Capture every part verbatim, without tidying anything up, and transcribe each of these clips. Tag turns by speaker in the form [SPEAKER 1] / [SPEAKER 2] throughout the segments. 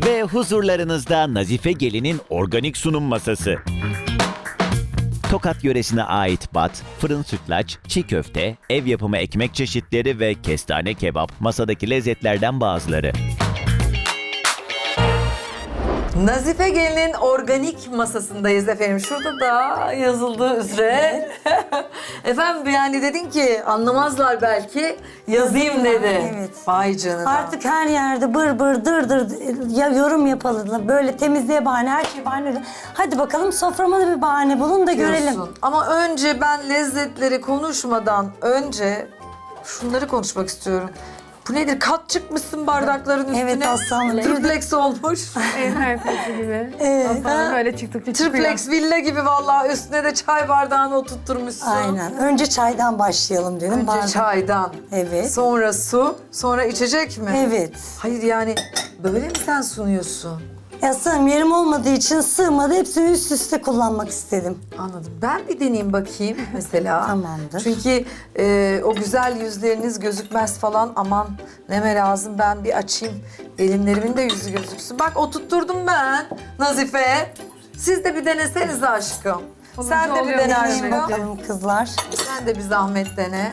[SPEAKER 1] Ve huzurlarınızda Nazife Gelin'in organik sunum masası. Tokat yöresine ait bat, fırın sütlaç, çiğ köfte, ev yapımı ekmek çeşitleri ve kestane kebap masadaki lezzetlerden bazıları.
[SPEAKER 2] Nazife Gelin'in organik masasındayız efendim. Şurada da yazıldığı üzere. Efendim yani dedin ki anlamazlar belki yazayım dedi.
[SPEAKER 3] Evet.
[SPEAKER 2] Vay canına.
[SPEAKER 3] Artık her yerde bır bır dır dır ya yorum yapalım. Böyle temizliğe bahane, her şey bahane. Hadi bakalım soframa da bir bahane bulun da görelim.
[SPEAKER 2] diyorsun. Ama önce ben lezzetleri konuşmadan önce şunları konuşmak istiyorum. Bu nedir? Kat çıkmışsın bardakların üstüne.
[SPEAKER 3] Evet, aslanım.
[SPEAKER 2] Triplex olmuş.
[SPEAKER 4] Ev herfesi gibi.
[SPEAKER 3] Evet.
[SPEAKER 4] Aslında böyle çıktıkça çıkıyor.
[SPEAKER 2] Triplex villa gibi vallahi üstüne de çay bardağını oturtturmuşsun.
[SPEAKER 3] Aynen. Önce çaydan başlayalım dedim.
[SPEAKER 2] Önce
[SPEAKER 3] Bardak-
[SPEAKER 2] çaydan.
[SPEAKER 3] Evet.
[SPEAKER 2] Sonra su, sonra içecek mi?
[SPEAKER 3] Evet.
[SPEAKER 2] Hayır yani böyle mi sen sunuyorsun?
[SPEAKER 3] Ya sığım yerim olmadığı için sığmadı. Hepsini üst üste kullanmak istedim.
[SPEAKER 2] Anladım. Ben bir deneyeyim bakayım mesela.
[SPEAKER 3] Tamamdır.
[SPEAKER 2] Çünkü e, o güzel yüzleriniz gözükmez falan. Aman neme lazım ben bir açayım. Gelinlerimin de yüzü gözüksün. Bak oturtturdum ben Nazife. Siz de bir denesenize aşkım. Sen de bir
[SPEAKER 4] oluyor
[SPEAKER 2] dene
[SPEAKER 4] yani.
[SPEAKER 3] Deneyin
[SPEAKER 2] aşkım.
[SPEAKER 3] bakalım kızlar.
[SPEAKER 2] Sen de bir zahmet dene.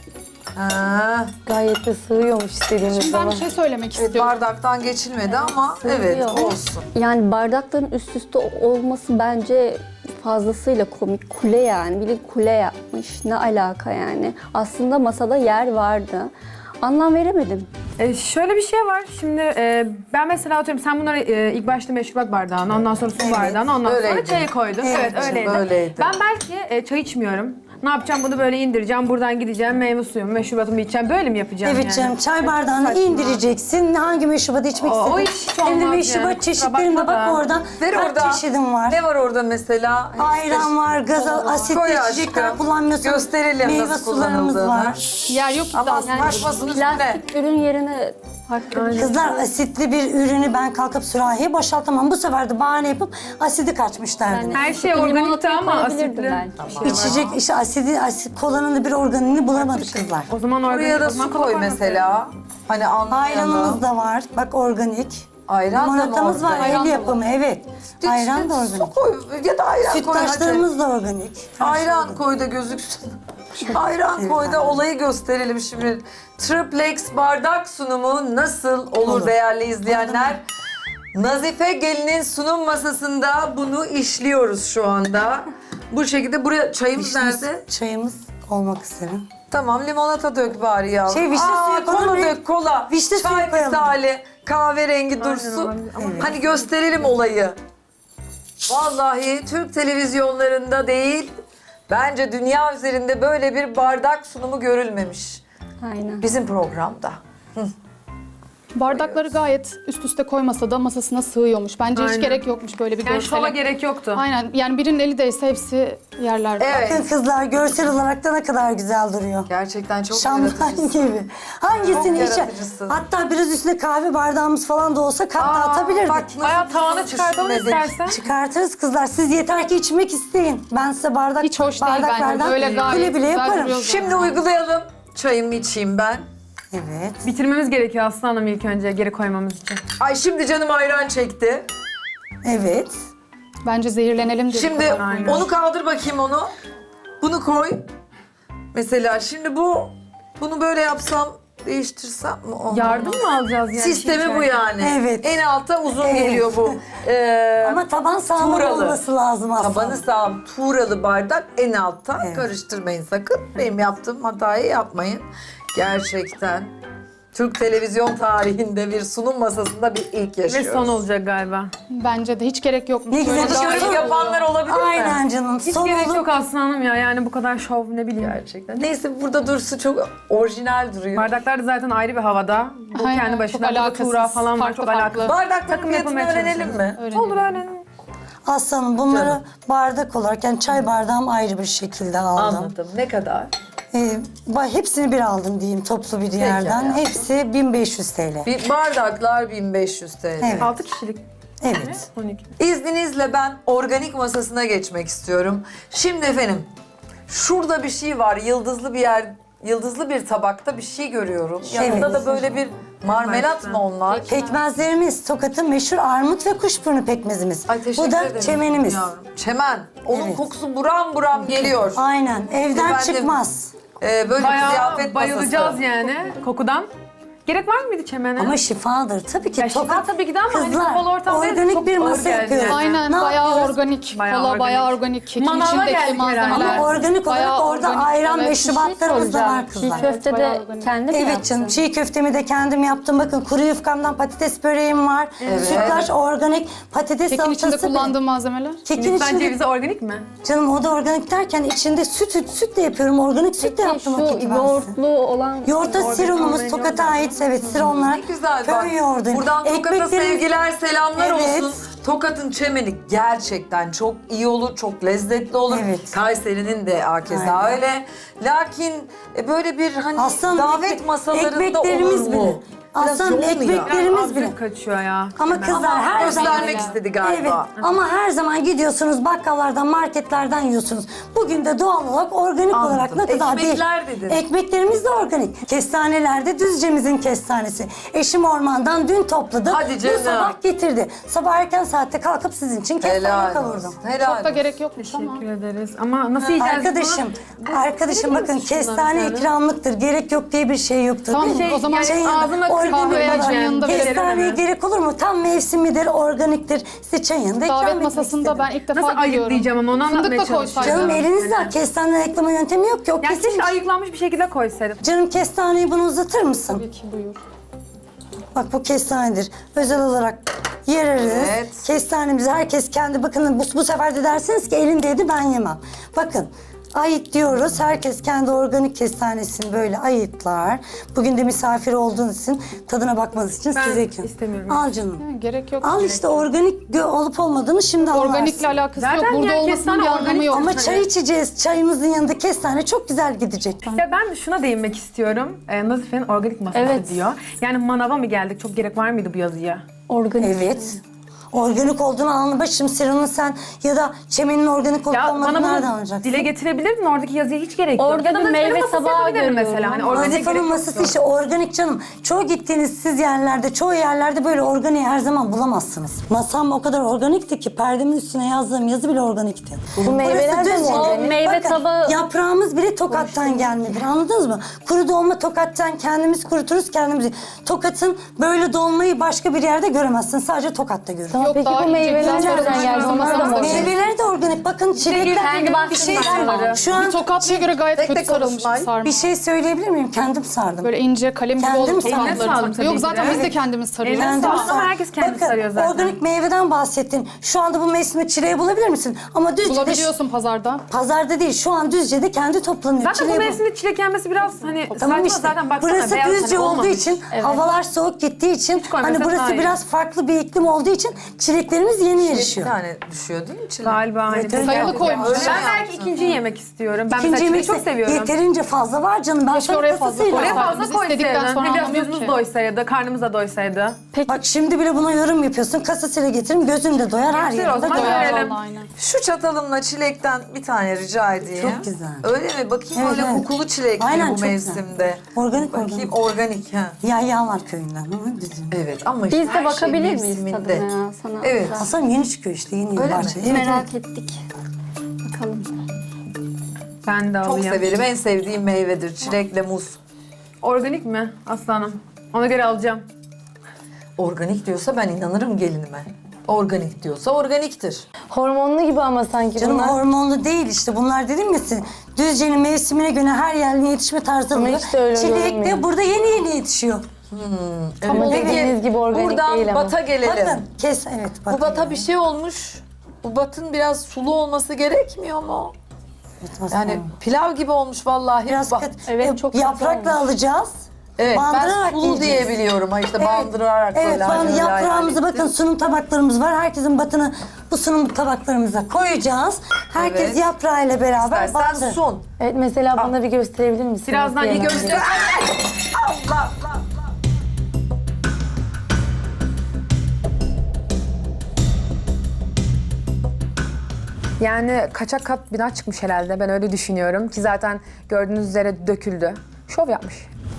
[SPEAKER 2] Ha.
[SPEAKER 5] Gayet de sığıyormuş istediğimiz
[SPEAKER 6] Şimdi ben
[SPEAKER 5] zaman.
[SPEAKER 6] bir şey söylemek
[SPEAKER 2] Evet
[SPEAKER 6] istiyorum.
[SPEAKER 2] bardaktan geçilmedi ama evet olsun.
[SPEAKER 5] Yani bardakların üst üste olması bence fazlasıyla komik. Kule yani. Biri kule yapmış. Ne alaka yani. Aslında masada yer vardı. Anlam veremedim.
[SPEAKER 4] E, şöyle bir şey var. Şimdi e, ben mesela atıyorum sen bunları e, ilk başta meşrubat bardağına, ondan sonra su bardağına, ondan
[SPEAKER 2] öyleydi.
[SPEAKER 4] sonra çayı koydun.
[SPEAKER 3] Evet,
[SPEAKER 4] Evet, öyleydi.
[SPEAKER 2] öyleydi.
[SPEAKER 4] Ben belki e, çay içmiyorum. Ne yapacağım? Bunu böyle indireceğim. Buradan gideceğim. Meyve suyumu, meşrubatımı içeceğim. Böyle mi yapacağım
[SPEAKER 3] Evet
[SPEAKER 4] yani?
[SPEAKER 3] canım, çay bardağını
[SPEAKER 4] saçma.
[SPEAKER 3] indireceksin. Hangi meşrubatı içmek
[SPEAKER 4] O- o
[SPEAKER 3] istedin?
[SPEAKER 4] hiç
[SPEAKER 3] Hem de
[SPEAKER 4] olmaz
[SPEAKER 3] meşrubat
[SPEAKER 4] yani, kusura
[SPEAKER 3] çeşitlerinde
[SPEAKER 4] bakma
[SPEAKER 3] bak
[SPEAKER 4] da.
[SPEAKER 3] oradan.
[SPEAKER 2] Ver
[SPEAKER 3] Kaç
[SPEAKER 2] orada.
[SPEAKER 3] çeşidim var?
[SPEAKER 2] Ne var orada mesela?
[SPEAKER 3] Ayran var, gaz asitli
[SPEAKER 2] Koy
[SPEAKER 3] içecekler
[SPEAKER 2] aşkım.
[SPEAKER 3] kullanmıyorsun.
[SPEAKER 2] Gösterelim
[SPEAKER 3] Meyve
[SPEAKER 2] nasıl
[SPEAKER 3] sularımız
[SPEAKER 2] kullanıldığını.
[SPEAKER 3] var.
[SPEAKER 6] Yer yok ki
[SPEAKER 2] Ama
[SPEAKER 6] daha. Yani
[SPEAKER 2] saçmasın üstüne.
[SPEAKER 5] Plastik ürün yerine farklı bir şey.
[SPEAKER 3] Kızlar asitli bir ürünü ben kalkıp sürahiye boşaltamam. Bu sefer de bahane yapıp asidi kaçmışlardı.
[SPEAKER 4] Her şey
[SPEAKER 5] Limonatayı
[SPEAKER 4] organikti ama
[SPEAKER 5] koyabilirdim
[SPEAKER 4] asitli.
[SPEAKER 5] belki.
[SPEAKER 3] İçecek işte asidi, asit, kolanın da bir organiğini bulamadık kızlar.
[SPEAKER 4] O zaman organik.
[SPEAKER 2] Buraya da
[SPEAKER 4] o zaman
[SPEAKER 2] su
[SPEAKER 4] kola
[SPEAKER 2] koy
[SPEAKER 4] koymasın.
[SPEAKER 2] mesela. Hani anlayalım.
[SPEAKER 3] Ayranımız da var. Bak organik.
[SPEAKER 2] Ayran da mı
[SPEAKER 3] Limonatamız var,
[SPEAKER 2] organik?
[SPEAKER 3] el
[SPEAKER 6] Ayran da
[SPEAKER 3] yapımı evet. Ayran da
[SPEAKER 2] Su
[SPEAKER 3] organik.
[SPEAKER 2] koy ya da ayran koy hadi.
[SPEAKER 3] Sütlaçlarımız da organik.
[SPEAKER 2] Ayran koy da gözüksün. Ayran koy da olayı gösterelim şimdi. Triplex bardak sunumu nasıl olur,
[SPEAKER 3] Olur.
[SPEAKER 2] değerli izleyenler? Nazife Gelin'in sunum masasında bunu işliyoruz şu anda. Bu şekilde buraya çayımız nerede?
[SPEAKER 3] Çayımız olmak isterim.
[SPEAKER 2] Tamam limonata dök bari ya.
[SPEAKER 3] Şey, vişne suyu
[SPEAKER 2] kola
[SPEAKER 3] koyalım.
[SPEAKER 2] dök kola.
[SPEAKER 3] Vişne suyu
[SPEAKER 2] Çay
[SPEAKER 3] koyalım.
[SPEAKER 2] misali kahverengi dursun.
[SPEAKER 4] olabilir. Ama
[SPEAKER 2] Hani gösterelim olayı. Vallahi Türk televizyonlarında değil, bence dünya üzerinde böyle bir bardak sunumu görülmemiş.
[SPEAKER 5] Aynen.
[SPEAKER 2] Bizim programda.
[SPEAKER 6] bardakları gayet üst üste koymasa da masasına sığıyormuş. Bence
[SPEAKER 4] Aynen.
[SPEAKER 6] hiç gerek yokmuş böyle bir
[SPEAKER 4] Yani şova
[SPEAKER 6] görsele.
[SPEAKER 4] gerek yoktu.
[SPEAKER 6] Aynen. Yani birinin eli değse hepsi yerlerde.
[SPEAKER 2] Evet.
[SPEAKER 3] Bakın kızlar görsel olarak da ne kadar güzel duruyor.
[SPEAKER 2] Gerçekten çok
[SPEAKER 3] Şamdan
[SPEAKER 2] yaratıcısın.
[SPEAKER 3] gibi. Hangisini
[SPEAKER 2] Çok
[SPEAKER 3] içe?
[SPEAKER 2] yaratıcısın.
[SPEAKER 3] Hatta biraz üstüne kahve bardağımız falan da olsa kat da
[SPEAKER 2] Aa,
[SPEAKER 3] atabilirdik.
[SPEAKER 2] bak nasıl
[SPEAKER 4] Bayağı tavana çıkartalım
[SPEAKER 2] düşünmedik.
[SPEAKER 4] istersen.
[SPEAKER 3] Çıkartırız kızlar. Siz yeter ki içmek isteyin. Ben size bardak
[SPEAKER 6] Hiç hoş değil bence.
[SPEAKER 3] bardaklardan
[SPEAKER 6] Böyle gayet
[SPEAKER 3] bile bile
[SPEAKER 6] güzel
[SPEAKER 3] yaparım.
[SPEAKER 6] duruyor.
[SPEAKER 2] Şimdi uygulayalım. Çayımı içeyim ben.
[SPEAKER 3] Evet.
[SPEAKER 4] Bitirmemiz gerekiyor Aslı Hanım ilk önce geri koymamız için.
[SPEAKER 2] Ay şimdi canım ayran çekti.
[SPEAKER 3] Evet.
[SPEAKER 6] Bence zehirlenelim diye.
[SPEAKER 2] Şimdi
[SPEAKER 4] Aynen.
[SPEAKER 2] onu kaldır bakayım onu. Bunu koy. Mesela şimdi bu, bunu böyle yapsam, değiştirsem mi? Olmaz.
[SPEAKER 4] Yardım mı alacağız yani?
[SPEAKER 2] Sistemi bu yani.
[SPEAKER 3] Evet.
[SPEAKER 2] En alta uzun
[SPEAKER 3] Evet.
[SPEAKER 2] geliyor bu. Ee,
[SPEAKER 3] Ama taban sağlam
[SPEAKER 2] Tuğralı.
[SPEAKER 3] olması lazım aslında.
[SPEAKER 2] Tabanı sağlam, tuğralı bardak en altta.
[SPEAKER 3] Evet.
[SPEAKER 2] Karıştırmayın sakın. Benim yaptığım hatayı yapmayın. Gerçekten Türk televizyon tarihinde bir sunum masasında bir ilk
[SPEAKER 4] Ve
[SPEAKER 2] yaşıyoruz.
[SPEAKER 4] son olacak galiba.
[SPEAKER 6] Bence de hiç gerek yokmuş.
[SPEAKER 3] Ne güzel
[SPEAKER 6] Böyle
[SPEAKER 3] işte.
[SPEAKER 6] daha-
[SPEAKER 2] Yorum yapanlar olabilir mi?
[SPEAKER 3] Aynen canım.
[SPEAKER 4] Hiç
[SPEAKER 3] Son
[SPEAKER 4] gerek
[SPEAKER 3] olup-
[SPEAKER 4] yok Aslı Hanım ya. Yani bu kadar şov ne bileyim.
[SPEAKER 2] Gerçekten. Neyse burada dursun çok orijinal duruyor.
[SPEAKER 4] Bardaklar da zaten ayrı bir havada. Bu
[SPEAKER 6] Aynen,
[SPEAKER 4] kendi
[SPEAKER 6] çok
[SPEAKER 4] başına. Burada
[SPEAKER 6] alakasız,
[SPEAKER 4] tuğra falan var.
[SPEAKER 6] farklı
[SPEAKER 4] Çok
[SPEAKER 6] farklı.
[SPEAKER 4] alakalı.
[SPEAKER 2] Bardakların
[SPEAKER 4] Takım
[SPEAKER 2] fiyatını
[SPEAKER 4] yapılmaya
[SPEAKER 2] öğrenelim mi?
[SPEAKER 6] Öğrenelim.
[SPEAKER 4] Olur öğrenelim.
[SPEAKER 3] Aslanım bunları
[SPEAKER 2] Canım.
[SPEAKER 3] bardak olarak yani çay bardağım ayrı bir şekilde aldım.
[SPEAKER 2] Anladım. Ne kadar?
[SPEAKER 3] Ee, ba- hepsini bir aldım diyeyim toplu bir yerden.
[SPEAKER 2] hayatım.
[SPEAKER 3] Hepsi bin beş yüz T L.
[SPEAKER 2] Bir bardaklar bin beş yüz T L.
[SPEAKER 3] Evet.
[SPEAKER 4] altı kişilik.
[SPEAKER 3] Evet.
[SPEAKER 4] on iki.
[SPEAKER 2] İzninizle ben organik masasına geçmek istiyorum. Şimdi efendim, şurada bir şey var, yıldızlı bir yer yıldızlı bir tabakta bir şey görüyorum. Yanında
[SPEAKER 3] Evet.
[SPEAKER 2] da böyle bir marmelat mı onlar?
[SPEAKER 3] Pekmezlerimiz Tokat'ın meşhur armut ve kuşburnu pekmezimiz.
[SPEAKER 2] Ay, teşekkür
[SPEAKER 3] Bu da
[SPEAKER 2] ederim
[SPEAKER 3] çemenimiz.
[SPEAKER 2] yavrum. Çemen. Onun
[SPEAKER 3] Evet.
[SPEAKER 2] kokusu buram buram geliyor.
[SPEAKER 3] Aynen. Evden
[SPEAKER 2] Efendim,
[SPEAKER 3] çıkmaz.
[SPEAKER 2] Ee, böyle bir
[SPEAKER 4] Bayağı
[SPEAKER 2] ziyafet
[SPEAKER 4] bayılacağız
[SPEAKER 2] masası.
[SPEAKER 4] yani kokudan. Gerek var mıydı çemene?
[SPEAKER 3] Ama şifadır. Tabii ki
[SPEAKER 4] Ya şifa
[SPEAKER 3] Tokat
[SPEAKER 4] tabii ki de ama hani
[SPEAKER 3] kızlar
[SPEAKER 4] kapalı ortamda
[SPEAKER 3] organik
[SPEAKER 4] çok
[SPEAKER 3] bir
[SPEAKER 4] ağır
[SPEAKER 3] masa
[SPEAKER 4] geldi
[SPEAKER 3] yapıyoruz.
[SPEAKER 4] yani.
[SPEAKER 6] Aynen
[SPEAKER 3] Ne
[SPEAKER 6] bayağı
[SPEAKER 3] yapıyoruz?
[SPEAKER 6] organik.
[SPEAKER 4] Bayağı
[SPEAKER 6] Kola
[SPEAKER 4] organik.
[SPEAKER 6] bayağı organik. Kekin
[SPEAKER 4] Manava
[SPEAKER 6] içindeki
[SPEAKER 4] geldik
[SPEAKER 6] malzemeler.
[SPEAKER 4] herhalde.
[SPEAKER 3] Ama organik olarak
[SPEAKER 6] Bayağı
[SPEAKER 3] orada
[SPEAKER 6] organik,
[SPEAKER 3] ayran
[SPEAKER 6] evet.
[SPEAKER 3] meşrubatlarımız da var
[SPEAKER 5] Soracağım.
[SPEAKER 3] kızlar.
[SPEAKER 5] Çiğ köfte
[SPEAKER 6] bayağı
[SPEAKER 5] de
[SPEAKER 6] organik.
[SPEAKER 5] kendi mi
[SPEAKER 3] Evet
[SPEAKER 5] yaptın?
[SPEAKER 3] canım, çiğ köftemi de kendim yaptım. Bakın kuru yufkamdan patates böreğim var. Sütlaç organik, patates
[SPEAKER 6] Kekin içinde
[SPEAKER 3] salatası.
[SPEAKER 6] kullandığım malzemeler.
[SPEAKER 3] Kekin
[SPEAKER 4] Hindistan
[SPEAKER 3] içinde,
[SPEAKER 4] cevizi organik mi?
[SPEAKER 3] canım o da organik derken içinde süt, sütle yapıyorum. Organik sütle
[SPEAKER 5] Peki
[SPEAKER 3] yaptım o
[SPEAKER 5] şu
[SPEAKER 3] keki ben size.
[SPEAKER 5] yoğurtlu olan...
[SPEAKER 3] Yoğurtta siromumuz
[SPEAKER 4] organik
[SPEAKER 3] Tokat'a ait. Evet, sironlar.
[SPEAKER 2] Ne güzel bak.
[SPEAKER 3] Köy yoğurdu.
[SPEAKER 2] Buradan Tokat'a
[SPEAKER 3] Ekmeklerimiz-
[SPEAKER 2] sevgiler, selamlar
[SPEAKER 3] Evet.
[SPEAKER 2] olsun. Tokat'ın çemeni gerçekten çok iyi olur, çok lezzetli olur.
[SPEAKER 3] Evet.
[SPEAKER 2] Kayseri'nin de hakeza
[SPEAKER 3] Aynen.
[SPEAKER 2] öyle. Lakin e, böyle bir hani
[SPEAKER 3] Aslanım,
[SPEAKER 2] davet
[SPEAKER 3] ekmek-
[SPEAKER 2] masalarında
[SPEAKER 3] ekmeklerimiz
[SPEAKER 2] olur
[SPEAKER 3] bile.
[SPEAKER 2] mu? Biraz
[SPEAKER 3] Aslanım,
[SPEAKER 2] yoğun ya.
[SPEAKER 3] ekmeklerimiz bile.
[SPEAKER 4] Absürt kaçıyor ya.
[SPEAKER 3] Ama kızlar her zaman...
[SPEAKER 2] Göstermek istedi galiba.
[SPEAKER 3] Evet ama her zaman gidiyorsunuz bakkallardan, marketlerden yiyorsunuz. Bugün de doğal olarak organik
[SPEAKER 2] Anladım.
[SPEAKER 3] olarak ne kadar
[SPEAKER 2] Ekmekler
[SPEAKER 3] değil.
[SPEAKER 2] dedin.
[SPEAKER 3] Ekmeklerimiz de organik. Kestaneler de Düzce'mizin kestanesi. Eşim ormandan dün topladı.
[SPEAKER 2] Hadi canım.
[SPEAKER 3] Bu sabah getirdi. Sabah erken saatte kalkıp sizin için kestane
[SPEAKER 2] Helal
[SPEAKER 3] kavurdum.
[SPEAKER 2] olsun. Helal
[SPEAKER 6] Çok da
[SPEAKER 2] olsun.
[SPEAKER 6] gerek yokmuş ama.
[SPEAKER 4] Teşekkür ederiz. Ama nasıl yiyeceğiz
[SPEAKER 3] Arkadaşım,
[SPEAKER 4] bunu?
[SPEAKER 3] arkadaşım
[SPEAKER 4] Verir
[SPEAKER 3] bakın
[SPEAKER 4] misin şundan
[SPEAKER 3] kestane
[SPEAKER 4] bir tane?
[SPEAKER 3] ikramlıktır. Gerek yok diye bir şey yoktur.
[SPEAKER 6] Tamam,
[SPEAKER 3] değil mi?
[SPEAKER 6] şey, o zaman
[SPEAKER 3] Şey
[SPEAKER 4] ağzıma
[SPEAKER 3] organik
[SPEAKER 6] kahve
[SPEAKER 3] olarak
[SPEAKER 6] çayın yanında veririm
[SPEAKER 3] kestaneye
[SPEAKER 4] hemen.
[SPEAKER 3] gerek olur mu? Tam mevsimidir, organiktir. Size çayın yanında ikram
[SPEAKER 6] Davet
[SPEAKER 3] etmek
[SPEAKER 6] masasında
[SPEAKER 3] istedim.
[SPEAKER 6] ben ilk defa
[SPEAKER 4] Nasıl
[SPEAKER 6] görüyorum.
[SPEAKER 4] ayıklayacağım ama onu anlatmaya
[SPEAKER 6] Fındık da
[SPEAKER 4] çalışıyorum.
[SPEAKER 3] Canım
[SPEAKER 6] koysaydım.
[SPEAKER 3] elinizde kestane ayıklama yöntemi yok ki. O
[SPEAKER 4] Ya
[SPEAKER 3] kesin.
[SPEAKER 4] keşke ayıklanmış bir şekilde koysaydım.
[SPEAKER 3] Canım kestaneyi bunu uzatır mısın?
[SPEAKER 6] Tabii ki buyur.
[SPEAKER 3] Bak bu kestanedir. Özel olarak yereriz.
[SPEAKER 2] Evet.
[SPEAKER 3] Kestanemizi herkes kendi bakın bu, bu sefer de dersiniz ki elindeydi ben yemem. Bakın ayıt diyoruz. Herkes kendi organik kestanesini böyle ayıtlar. Bugün de misafir olduğunuz için tadına bakmanız için
[SPEAKER 4] Ben
[SPEAKER 3] size ikram.
[SPEAKER 4] istemiyorum.
[SPEAKER 3] Al canım.
[SPEAKER 6] Yani gerek yok.
[SPEAKER 3] Al işte organik gö- olup olmadığını şimdi
[SPEAKER 6] Organikle
[SPEAKER 3] anlarsın.
[SPEAKER 6] alakası
[SPEAKER 4] Zaten
[SPEAKER 6] yok. Burada
[SPEAKER 4] yani
[SPEAKER 6] olmasının
[SPEAKER 4] kestane
[SPEAKER 6] bir anlamı
[SPEAKER 4] organik
[SPEAKER 6] yok.
[SPEAKER 3] Ama çay içeceğiz. Çayımızın yanında kestane çok güzel gidecek.
[SPEAKER 4] Ya ben de şuna değinmek istiyorum. Ee, Nazife'nin organik masası
[SPEAKER 5] Evet.
[SPEAKER 4] diyor. Yani manava mı geldik? Çok gerek var mıydı bu yazıya?
[SPEAKER 5] Organik.
[SPEAKER 3] Evet. Organik olduğunu anlamak için Siron'un sen ya da Çemen'in organik olup
[SPEAKER 4] Ya
[SPEAKER 3] olmadığını
[SPEAKER 4] bana
[SPEAKER 3] nereden
[SPEAKER 4] bunu
[SPEAKER 3] anlayacaksın?
[SPEAKER 4] dile getirebilirdin. Oradaki yazıya hiç gerek yok.
[SPEAKER 5] Orada
[SPEAKER 4] Ya da
[SPEAKER 5] bir
[SPEAKER 4] Nazife'nin
[SPEAKER 5] meyve
[SPEAKER 4] masası
[SPEAKER 5] tabağı
[SPEAKER 4] yapabilirim
[SPEAKER 5] görüyorum.
[SPEAKER 4] mesela. Hani organik
[SPEAKER 3] Nazife'nin
[SPEAKER 4] gerek
[SPEAKER 3] masası
[SPEAKER 4] yoktu.
[SPEAKER 3] işte organik canım. Çoğu gittiğiniz siz yerlerde, çoğu yerlerde böyle organiği her zaman bulamazsınız. Masam o kadar organikti ki perdemin üstüne yazdığım yazı bile organikti. Bu
[SPEAKER 5] meyveler de mi organik? Meyve tabağı-
[SPEAKER 3] Yaprağımız bile Tokat'tan gelmedir. Anladınız mı? Kuru dolma Tokat'tan kendimiz kuruturuz kendimiz. Tokat'ın böyle dolmayı başka bir yerde göremezsiniz. Sadece Tokat'ta görürsünüz.
[SPEAKER 6] Yok,
[SPEAKER 5] Peki
[SPEAKER 6] daha
[SPEAKER 5] bu
[SPEAKER 6] ince,
[SPEAKER 5] meyveler
[SPEAKER 6] güzel
[SPEAKER 5] nereden
[SPEAKER 6] sarımsak
[SPEAKER 5] geldi? Onlar da
[SPEAKER 6] masamızda
[SPEAKER 5] mı
[SPEAKER 6] bir şey.
[SPEAKER 3] Meyveleri de organik. Bakın çilekler
[SPEAKER 5] kendi
[SPEAKER 3] bir şey
[SPEAKER 5] bahçemden
[SPEAKER 3] Şu an
[SPEAKER 6] Bir Tokatlı'ya göre gayet
[SPEAKER 2] Tek
[SPEAKER 6] kötü
[SPEAKER 2] tek
[SPEAKER 6] sarılmış
[SPEAKER 2] konuşmayın.
[SPEAKER 6] bir sarma.
[SPEAKER 3] bir şey söyleyebilir miyim? Kendim sardım.
[SPEAKER 6] Böyle ince kalem gibi
[SPEAKER 3] Kendim
[SPEAKER 6] oldu
[SPEAKER 3] sardım.
[SPEAKER 4] Eline sağlık
[SPEAKER 6] toprakları.
[SPEAKER 4] tabii
[SPEAKER 6] Yok
[SPEAKER 4] ki
[SPEAKER 6] zaten
[SPEAKER 4] de.
[SPEAKER 6] biz de kendimiz sarıyoruz.
[SPEAKER 4] Eline
[SPEAKER 3] Kendim
[SPEAKER 4] sağlık ama
[SPEAKER 3] sardım.
[SPEAKER 4] herkes kendi
[SPEAKER 3] Bakın,
[SPEAKER 4] sarıyor zaten.
[SPEAKER 3] organik meyveden bahsettin. Şu anda bu mevsimde çileği bulabilir misin? Ama Düzce'de
[SPEAKER 6] Bulabiliyorsun pazarda.
[SPEAKER 3] pazarda değil. Şu an Düzce'de kendi toplanıyor.
[SPEAKER 4] Zaten bu
[SPEAKER 3] Çileği bu-
[SPEAKER 4] mevsimde çilek yenmesi biraz hani
[SPEAKER 3] Tamam
[SPEAKER 4] saçma
[SPEAKER 3] işte.
[SPEAKER 4] zaten baksana
[SPEAKER 3] Burası
[SPEAKER 4] beyaz
[SPEAKER 3] Düzce
[SPEAKER 4] hani
[SPEAKER 3] olduğu
[SPEAKER 4] olmamış.
[SPEAKER 3] için, havalar soğuk gittiği için,
[SPEAKER 4] koymasak
[SPEAKER 3] hani burası
[SPEAKER 4] daha iyi.
[SPEAKER 3] biraz farklı bir iklim olduğu için çileklerimiz yeni
[SPEAKER 2] Bir
[SPEAKER 3] yarışıyor.
[SPEAKER 2] tane düşüyor değil mi içine?
[SPEAKER 4] Galiba hani.
[SPEAKER 3] Evet, evet.
[SPEAKER 6] Sayılı koymuş.
[SPEAKER 2] Öyle
[SPEAKER 4] Ben
[SPEAKER 2] mi
[SPEAKER 4] belki
[SPEAKER 2] yaptın?
[SPEAKER 4] ikinciyi yemek istiyorum. Ben
[SPEAKER 3] İkinci
[SPEAKER 4] mesela çileği
[SPEAKER 3] yemekse
[SPEAKER 4] çok seviyorum.
[SPEAKER 3] yeterince fazla var canım. Ben
[SPEAKER 6] Keşke
[SPEAKER 3] sana
[SPEAKER 6] oraya fazla
[SPEAKER 3] kasasıyla-
[SPEAKER 4] Oraya
[SPEAKER 6] koysaydın.
[SPEAKER 4] fazla
[SPEAKER 6] Biz istedikten
[SPEAKER 4] koysaydın.
[SPEAKER 6] sonra
[SPEAKER 4] Hem biraz
[SPEAKER 6] anlamıyor
[SPEAKER 4] gözümüz
[SPEAKER 6] ki.
[SPEAKER 4] doysaydı, karnımız da doysaydı.
[SPEAKER 3] Bak şimdi bile buna yorum yapıyorsun. Kasasıyla getirin gözün de doyar her
[SPEAKER 4] Getir o
[SPEAKER 3] yerinde
[SPEAKER 4] zaman.
[SPEAKER 3] doyar.
[SPEAKER 6] Doyar
[SPEAKER 4] Görelim.
[SPEAKER 6] vallahi aynen.
[SPEAKER 2] Şu çatalımla çilekten bir tane rica edeyim.
[SPEAKER 3] Çok güzel.
[SPEAKER 2] Öyle mi? Bakayım
[SPEAKER 3] Evet,
[SPEAKER 2] öyle
[SPEAKER 3] evet.
[SPEAKER 2] kokulu çilek mi
[SPEAKER 3] Aynen,
[SPEAKER 2] bu
[SPEAKER 3] çok güzel.
[SPEAKER 2] mevsimde?
[SPEAKER 3] Organik,
[SPEAKER 2] Bakayım
[SPEAKER 3] organik.
[SPEAKER 2] organik ha.
[SPEAKER 3] Yayyalar köyünden. Hı, bizim.
[SPEAKER 2] Evet ama
[SPEAKER 5] Biz
[SPEAKER 2] işte
[SPEAKER 5] de
[SPEAKER 2] her
[SPEAKER 5] bakabilir
[SPEAKER 2] şey
[SPEAKER 5] miyiz
[SPEAKER 2] mevsiminde.
[SPEAKER 5] tadına ya sana?
[SPEAKER 2] Evet.
[SPEAKER 3] Hasan yeni çıkıyor işte yeni
[SPEAKER 2] Öyle
[SPEAKER 3] bahçe.
[SPEAKER 2] mi?
[SPEAKER 3] Evet,
[SPEAKER 5] Merak
[SPEAKER 3] evet.
[SPEAKER 5] ettik. Bakalım.
[SPEAKER 4] Ben de
[SPEAKER 2] Çok
[SPEAKER 4] alayım.
[SPEAKER 2] severim. En sevdiğim meyvedir. Çilekle muz.
[SPEAKER 4] Organik mi aslanım? Ona göre alacağım.
[SPEAKER 2] Organik diyorsa ben inanırım gelinime. Organik diyorsa organiktir.
[SPEAKER 7] Hormonlu gibi ama sanki
[SPEAKER 3] Canım
[SPEAKER 7] bunlar.
[SPEAKER 3] hormonlu değil işte. Bunlar dedim ya size. Düzce'nin mevsimine göre her yerine yetişme tarzı
[SPEAKER 7] Ama
[SPEAKER 3] oluyor.
[SPEAKER 7] hiç de öyle
[SPEAKER 3] Çilek de
[SPEAKER 7] görünmüyor.
[SPEAKER 3] burada yeni yeni yetişiyor.
[SPEAKER 7] Ama
[SPEAKER 2] Peki,
[SPEAKER 7] dediğiniz gibi organik
[SPEAKER 2] buradan
[SPEAKER 7] değil ama.
[SPEAKER 2] bata gelelim.
[SPEAKER 3] Bakın kes evet.
[SPEAKER 2] Bu
[SPEAKER 3] bakın.
[SPEAKER 2] bata bir şey olmuş. Bu batın biraz sulu olması gerekmiyor mu? Yani pilav gibi olmuş vallahi.
[SPEAKER 3] biraz
[SPEAKER 2] Bak-
[SPEAKER 3] kat,
[SPEAKER 5] Evet,
[SPEAKER 3] e,
[SPEAKER 5] çok güzel
[SPEAKER 3] yaprakla alacağız.
[SPEAKER 2] Evet ben
[SPEAKER 3] bandırarak
[SPEAKER 2] sulu
[SPEAKER 3] yiyeceğiz.
[SPEAKER 2] diye biliyorum. Ha işte
[SPEAKER 3] Evet,
[SPEAKER 2] bandırarak
[SPEAKER 3] evet,
[SPEAKER 2] böyle.
[SPEAKER 3] falan
[SPEAKER 2] hani öyle
[SPEAKER 3] yaprağımızı
[SPEAKER 2] hayal
[SPEAKER 3] bakın
[SPEAKER 2] ettim.
[SPEAKER 3] sunum tabaklarımız var. Herkesin batını bu sunum tabaklarımıza koyacağız. Herkes
[SPEAKER 2] Evet.
[SPEAKER 3] yaprağıyla beraber
[SPEAKER 2] İstersen
[SPEAKER 3] bandır.
[SPEAKER 2] sun.
[SPEAKER 7] Evet mesela bana bir gösterebilir misin?
[SPEAKER 4] Birazdan
[SPEAKER 7] Nasıl
[SPEAKER 4] iyi
[SPEAKER 7] yemem
[SPEAKER 4] göster.
[SPEAKER 2] Allah Allah.
[SPEAKER 4] Yani kaçak kat bina çıkmış herhalde. Ben öyle düşünüyorum ki zaten gördüğünüz üzere döküldü. Şov yapmış.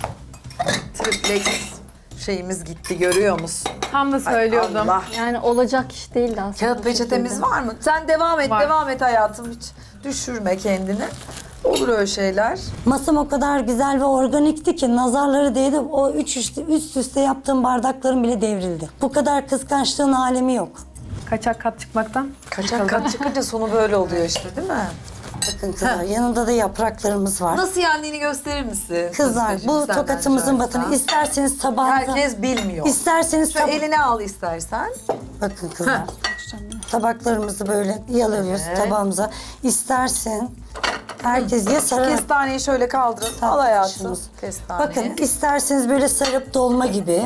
[SPEAKER 2] Triplex şeyimiz gitti görüyor musun?
[SPEAKER 4] Tam da söylüyordum.
[SPEAKER 2] Allah.
[SPEAKER 5] Yani olacak iş değildi aslında.
[SPEAKER 2] Kağıt
[SPEAKER 5] bu
[SPEAKER 2] peçetemiz
[SPEAKER 5] şekilde.
[SPEAKER 2] var mı? Sen devam et,
[SPEAKER 4] Var.
[SPEAKER 2] devam et hayatım. Hiç düşürme kendini. Olur öyle şeyler.
[SPEAKER 3] Masam o kadar güzel ve organikti ki nazarları değdi. O üç üst, üst üste yaptığım bardaklarım bile devrildi. Bu kadar kıskançlığın alemi yok.
[SPEAKER 4] Kaçak kat çıkmaktan.
[SPEAKER 2] Kaçak kat çıkınca sonu böyle oluyor işte değil mi?
[SPEAKER 3] Bakın kızlar yanında da yapraklarımız var.
[SPEAKER 2] Nasıl yendiğini gösterir misin?
[SPEAKER 3] Kızlar
[SPEAKER 2] Kızcığım,
[SPEAKER 3] bu
[SPEAKER 2] senden
[SPEAKER 3] tokatımızın
[SPEAKER 2] rica
[SPEAKER 3] batını
[SPEAKER 2] etsem.
[SPEAKER 3] isterseniz tabağınıza...
[SPEAKER 2] Herkes bilmiyor.
[SPEAKER 3] İsterseniz
[SPEAKER 2] Şöyle
[SPEAKER 3] tab-
[SPEAKER 2] eline al istersen.
[SPEAKER 3] Bakın kızlar. Tabaklarımızı böyle yalıyoruz
[SPEAKER 2] Evet.
[SPEAKER 3] tabağımıza. İstersen herkes ya sararak...
[SPEAKER 2] Kestaneyi şöyle kaldırın. Al hayatım.
[SPEAKER 3] Tartışımız.
[SPEAKER 2] Kestaneyi.
[SPEAKER 3] Bakın isterseniz böyle sarıp dolma gibi,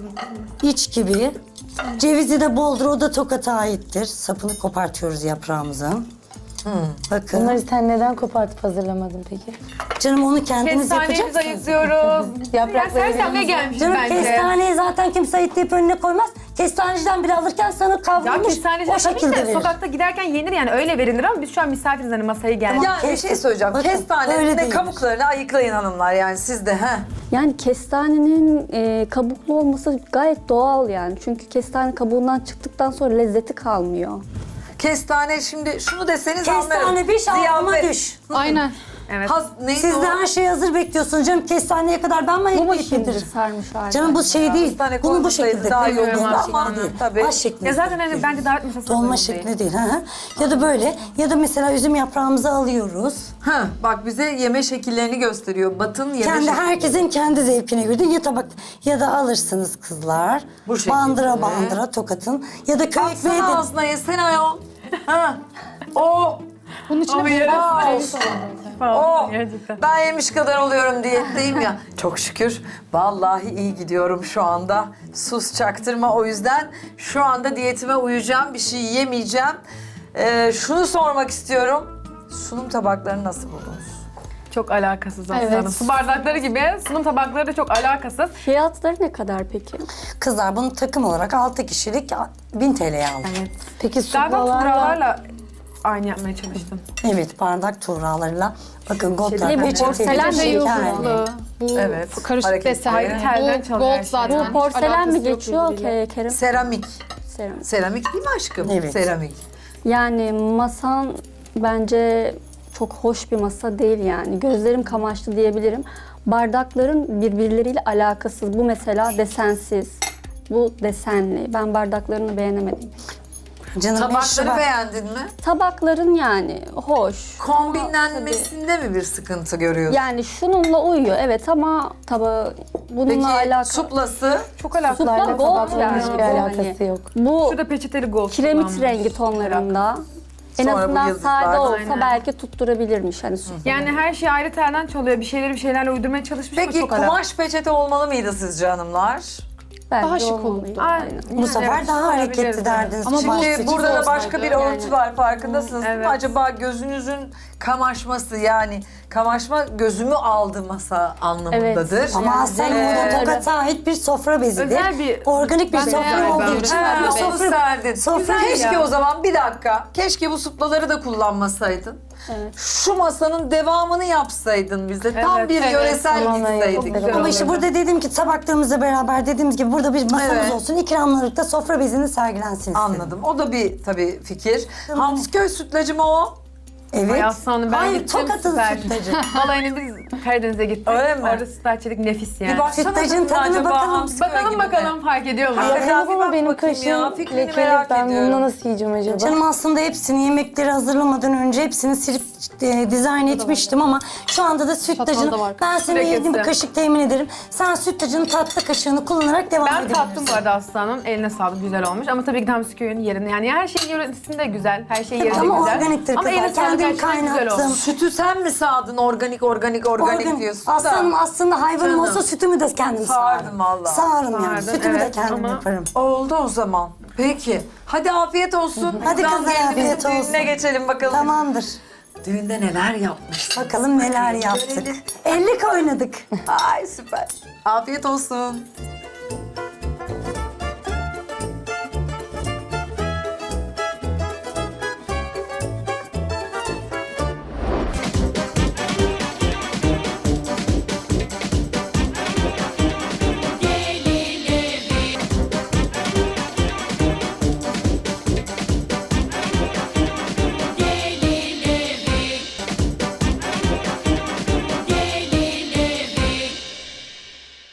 [SPEAKER 3] iç gibi. Cevizi de boldur, o da Tokat'a aittir. Sapını kopartıyoruz yaprağımızın. Bakın.
[SPEAKER 7] Bunları sen neden kopartıp hazırlamadın peki?
[SPEAKER 3] Canım onu kendiniz
[SPEAKER 4] Kestanemizi
[SPEAKER 3] yapacaksınız.
[SPEAKER 4] ayıklıyoruz.
[SPEAKER 7] Yaprakları
[SPEAKER 4] Ya sersemle
[SPEAKER 7] elimize-
[SPEAKER 4] gelmiş
[SPEAKER 3] Canım
[SPEAKER 4] bence.
[SPEAKER 3] kestaneyi zaten kimse ayıtlayıp önüne koymaz. Kestaneciden biri alırken sana
[SPEAKER 4] Ya
[SPEAKER 3] kavrulmuş
[SPEAKER 4] kestaneci
[SPEAKER 3] o şekilde
[SPEAKER 4] de
[SPEAKER 3] verir.
[SPEAKER 4] sokakta giderken yenir yani öyle verilir ama biz şu an misafiriz hani masaya geldik.
[SPEAKER 2] Yani bir
[SPEAKER 3] Kes-
[SPEAKER 2] şey söyleyeceğim.
[SPEAKER 3] Bakın,
[SPEAKER 2] Kestanenin
[SPEAKER 3] öyle
[SPEAKER 2] de
[SPEAKER 3] değildir.
[SPEAKER 2] kabuklarını ayıklayın hanımlar yani siz de. He.
[SPEAKER 5] Yani kestanenin e, kabuklu olması gayet doğal yani. Çünkü kestane kabuğundan çıktıktan sonra lezzeti kalmıyor.
[SPEAKER 2] Kestane şimdi şunu deseniz anlarım.
[SPEAKER 3] Kestane bir şalgama
[SPEAKER 2] Ziyafet.
[SPEAKER 3] düş.
[SPEAKER 6] Aynen.
[SPEAKER 4] Evet.
[SPEAKER 2] Haz, neydi
[SPEAKER 3] Siz
[SPEAKER 2] o?
[SPEAKER 3] de her şeyi hazır bekliyorsunuz canım. Kestaneye kadar ben mi
[SPEAKER 5] Bu mu
[SPEAKER 3] ayıklayıp
[SPEAKER 5] şimdi
[SPEAKER 3] getiririm?
[SPEAKER 5] sarmış hali?
[SPEAKER 3] Canım bu şey değil.
[SPEAKER 2] Kestane
[SPEAKER 3] Bunu bu
[SPEAKER 2] koymasaydı
[SPEAKER 3] şekilde
[SPEAKER 2] daha iyi
[SPEAKER 3] koyuyorum.
[SPEAKER 2] olurdu
[SPEAKER 3] Ama
[SPEAKER 2] ama
[SPEAKER 3] değil.
[SPEAKER 2] tabii.
[SPEAKER 3] Baş şeklinde.
[SPEAKER 4] Ya zaten hani bence davet masası
[SPEAKER 3] Dolma
[SPEAKER 4] uygun değil.
[SPEAKER 3] şekli değil. Hı hı. Ya da böyle. Ya da mesela üzüm yaprağımızı alıyoruz.
[SPEAKER 2] Ha, bak bize yeme şekillerini gösteriyor. Batın yeme
[SPEAKER 3] Kendi
[SPEAKER 2] şekli.
[SPEAKER 3] herkesin kendi zevkine göre ya tabak ya da alırsınız kızlar.
[SPEAKER 2] Bu şekilde.
[SPEAKER 3] Bandıra bandıra Tokat'ın ya da köy ekmeği de.
[SPEAKER 2] Atsana ağzına yesene ayol. Ha. O.
[SPEAKER 6] Bunun içine
[SPEAKER 4] Ama
[SPEAKER 6] bir
[SPEAKER 4] yarısı
[SPEAKER 6] bal
[SPEAKER 4] öyle
[SPEAKER 6] olsun.
[SPEAKER 2] O.
[SPEAKER 4] Gerçekten.
[SPEAKER 2] Ben yemiş kadar oluyorum diyetteyim ya. Çok şükür. Vallahi iyi gidiyorum şu anda. Sus çaktırma o yüzden. Şu anda diyetime uyacağım. Bir şey yemeyeceğim. Ee, şunu sormak istiyorum. Sunum tabaklarını nasıl buldunuz?
[SPEAKER 4] Çok alakasız aslında.
[SPEAKER 6] Evet.
[SPEAKER 4] Su bardakları gibi sunum tabakları da çok alakasız.
[SPEAKER 5] Fiyatları ne kadar peki?
[SPEAKER 3] Kızlar bunu takım olarak altı kişilik bin T L'ye aldım.
[SPEAKER 4] Evet.
[SPEAKER 7] Peki
[SPEAKER 4] Galiba
[SPEAKER 7] suklalarla
[SPEAKER 4] tuğralarla aynı yapmaya çalıştım.
[SPEAKER 3] Evet, bardak tuğralarıyla. Bakın goldlar
[SPEAKER 5] Şey, bu
[SPEAKER 3] peçete
[SPEAKER 5] porselen
[SPEAKER 3] gibi
[SPEAKER 5] de
[SPEAKER 3] şekerli.
[SPEAKER 6] yıldızlı. Bu
[SPEAKER 2] Evet,
[SPEAKER 6] karışık
[SPEAKER 2] hareketli.
[SPEAKER 6] desen.
[SPEAKER 4] Ayrı telden
[SPEAKER 6] Bu
[SPEAKER 4] çalıyor her
[SPEAKER 6] gold
[SPEAKER 4] şey.
[SPEAKER 6] zaten.
[SPEAKER 5] Bu porselen mi
[SPEAKER 6] Alakası yok
[SPEAKER 5] geçiyor
[SPEAKER 6] birbiriyle.
[SPEAKER 5] Ke- Kerem?
[SPEAKER 2] Seramik.
[SPEAKER 5] Seramik.
[SPEAKER 2] Seramik değil mi aşkım?
[SPEAKER 3] Evet.
[SPEAKER 2] Seramik.
[SPEAKER 5] Yani masan bence çok hoş bir masa değil yani. Gözlerim kamaştı diyebilirim. Bardakların birbirleriyle alakasız. Bu mesela desensiz. Bu desenli. Ben bardaklarını beğenemedim.
[SPEAKER 3] Canım beş
[SPEAKER 2] Tabakları
[SPEAKER 3] Şubat.
[SPEAKER 2] beğendin mi?
[SPEAKER 5] Tabakların yani hoş.
[SPEAKER 2] Kombinlenmesinde mi bir sıkıntı görüyorsun?
[SPEAKER 5] Yani şununla uyuyor evet ama tabağı bununla
[SPEAKER 2] Peki
[SPEAKER 5] alakalı.
[SPEAKER 2] suplası?
[SPEAKER 4] Çok alakalı.
[SPEAKER 5] Supla
[SPEAKER 7] Suplarla
[SPEAKER 5] gold
[SPEAKER 7] tabakların
[SPEAKER 5] yani.
[SPEAKER 7] hiçbir
[SPEAKER 5] Bu
[SPEAKER 7] alakası
[SPEAKER 5] hani-
[SPEAKER 7] yok.
[SPEAKER 5] Bu
[SPEAKER 4] Şurada peçeteli gold
[SPEAKER 5] kiremit
[SPEAKER 4] kullanmış.
[SPEAKER 5] rengi tonlarında. En
[SPEAKER 2] Sonra bu
[SPEAKER 5] azından
[SPEAKER 2] yıldızlar.
[SPEAKER 5] sade olsa
[SPEAKER 4] Aynen.
[SPEAKER 5] belki tutturabilirmiş hani su.
[SPEAKER 4] Yani her şey ayrı telden çalıyor. Bir şeyleri bir şeylerle uydurmaya çalışmış
[SPEAKER 2] Peki
[SPEAKER 4] ama çok alakalı.
[SPEAKER 2] kumaş peçete olmalı mıydı sizce hanımlar?
[SPEAKER 5] Bence
[SPEAKER 6] Daha şık
[SPEAKER 5] olmalıydı.
[SPEAKER 6] olurdu.
[SPEAKER 4] Aynen.
[SPEAKER 3] Bu sefer
[SPEAKER 4] Evet,
[SPEAKER 3] daha
[SPEAKER 4] olabilirdi.
[SPEAKER 3] hareketli derdiniz.
[SPEAKER 6] Ama
[SPEAKER 3] Kumaş
[SPEAKER 6] bu-
[SPEAKER 2] Şimdi
[SPEAKER 3] peçete
[SPEAKER 2] burada da
[SPEAKER 3] olsaydı.
[SPEAKER 2] başka bir
[SPEAKER 6] yani.
[SPEAKER 2] örtü var farkındasınız değil mi?
[SPEAKER 4] evet.
[SPEAKER 2] Acaba gözünüzün kamaşması yani kamaşma gözümü aldı masa anlamındadır.
[SPEAKER 5] Evet.
[SPEAKER 3] Ama aslında
[SPEAKER 2] Ee,
[SPEAKER 3] bu da Tokat'a ait bir sofra bezidir.
[SPEAKER 4] Özel bir-
[SPEAKER 3] Organik bir
[SPEAKER 6] Ben
[SPEAKER 3] sofra
[SPEAKER 6] beğendim.
[SPEAKER 3] olduğu için.
[SPEAKER 2] Ha,
[SPEAKER 3] bu
[SPEAKER 2] onu
[SPEAKER 3] sofra,
[SPEAKER 2] serdin.
[SPEAKER 3] sofra
[SPEAKER 2] Güzel. Keşke
[SPEAKER 4] ya.
[SPEAKER 2] o zaman bir dakika. Keşke bu suplaları da kullanmasaydın.
[SPEAKER 5] Evet.
[SPEAKER 2] Şu masanın devamını yapsaydın bize. Tam
[SPEAKER 4] Evet,
[SPEAKER 2] bir
[SPEAKER 4] evet.
[SPEAKER 2] yöresel
[SPEAKER 7] Tamamen
[SPEAKER 2] gitseydik.
[SPEAKER 7] çok güzel
[SPEAKER 3] Ama
[SPEAKER 7] olurdu.
[SPEAKER 3] işte burada dedim ki tabaklarımızla beraber dediğimiz gibi burada bir masamız
[SPEAKER 2] Evet.
[SPEAKER 3] olsun. İkramlıkta sofra bezini sergilensin istedim.
[SPEAKER 2] Anladım. O da bir tabii fikir. Hamsiköy sütlacı mı o?
[SPEAKER 3] Evet.
[SPEAKER 4] Ay aslanım ben
[SPEAKER 3] Hayır,
[SPEAKER 4] gittim
[SPEAKER 3] Tokat'ın
[SPEAKER 4] süper.
[SPEAKER 3] sütlacı.
[SPEAKER 4] Balayına biz Karadeniz'e gittik.
[SPEAKER 2] Öyle mi?
[SPEAKER 4] Orada sütlaç yedik nefis yani.
[SPEAKER 2] Bir baksana
[SPEAKER 3] Sütlacın
[SPEAKER 2] tadına
[SPEAKER 3] tadına
[SPEAKER 2] acaba
[SPEAKER 3] bakalım.
[SPEAKER 2] Hamsiköy
[SPEAKER 4] Bakalım
[SPEAKER 2] gibi mi?
[SPEAKER 4] bakalım fark ediyor mu?
[SPEAKER 2] Ay,
[SPEAKER 7] Yakınız
[SPEAKER 2] bir
[SPEAKER 7] ama
[SPEAKER 2] bak
[SPEAKER 7] benim
[SPEAKER 2] bakayım ya,
[SPEAKER 7] kaşığım
[SPEAKER 2] fikrini
[SPEAKER 7] lekeli.
[SPEAKER 2] merak
[SPEAKER 7] Ben
[SPEAKER 2] ediyorum.
[SPEAKER 7] bunu nasıl yiyeceğim acaba?
[SPEAKER 3] Canım aslında hepsini yemekleri hazırlamadan önce hepsini silip e, dizayn etmiştim ama şu anda da sütlacını
[SPEAKER 6] Çatal da var.
[SPEAKER 3] ben sana
[SPEAKER 4] Lekesi.
[SPEAKER 3] yediğim bir kaşık temin ederim. Sen sütlacının tatlı kaşığını kullanarak devam
[SPEAKER 4] Ben
[SPEAKER 3] edebilirsin.
[SPEAKER 4] tattım bu arada aslanım. Eline sağlık güzel olmuş. Ama tabii ki Hamsiköy'ün yerinde. Yani her şeyin yöresinde güzel. Her şey yerinde
[SPEAKER 3] ama
[SPEAKER 4] güzel.
[SPEAKER 3] organiktir
[SPEAKER 4] Ama eline
[SPEAKER 3] kızlar.
[SPEAKER 4] sağlık
[SPEAKER 3] Kendim
[SPEAKER 4] gerçekten güzel
[SPEAKER 3] kaynattım.
[SPEAKER 4] olmuş.
[SPEAKER 2] Sütü sen mi sağdın organik organik organik
[SPEAKER 3] Organ-
[SPEAKER 2] diyorsun
[SPEAKER 3] Aslanım
[SPEAKER 2] da.
[SPEAKER 3] aslında hayvanım
[SPEAKER 2] Canım.
[SPEAKER 3] olsa sütümü de kendim
[SPEAKER 2] Sağardım
[SPEAKER 3] sağarım.
[SPEAKER 2] vallahi.
[SPEAKER 3] Sağarım yani.
[SPEAKER 4] Sağardın,
[SPEAKER 3] Sütümü de
[SPEAKER 4] evet,
[SPEAKER 3] kendim
[SPEAKER 4] ama-
[SPEAKER 3] yaparım.
[SPEAKER 2] Oldu o zaman. Peki. Hadi afiyet olsun.
[SPEAKER 3] Hadi
[SPEAKER 2] Buradan
[SPEAKER 3] kızlar,
[SPEAKER 2] gelinimizin
[SPEAKER 3] afiyet olsun.
[SPEAKER 2] düğününe geçelim bakalım.
[SPEAKER 3] Tamamdır.
[SPEAKER 2] Düğünde neler yapmış.
[SPEAKER 3] Bakalım neler yaptık. ellik oynadık.
[SPEAKER 2] Ay süper. Afiyet olsun.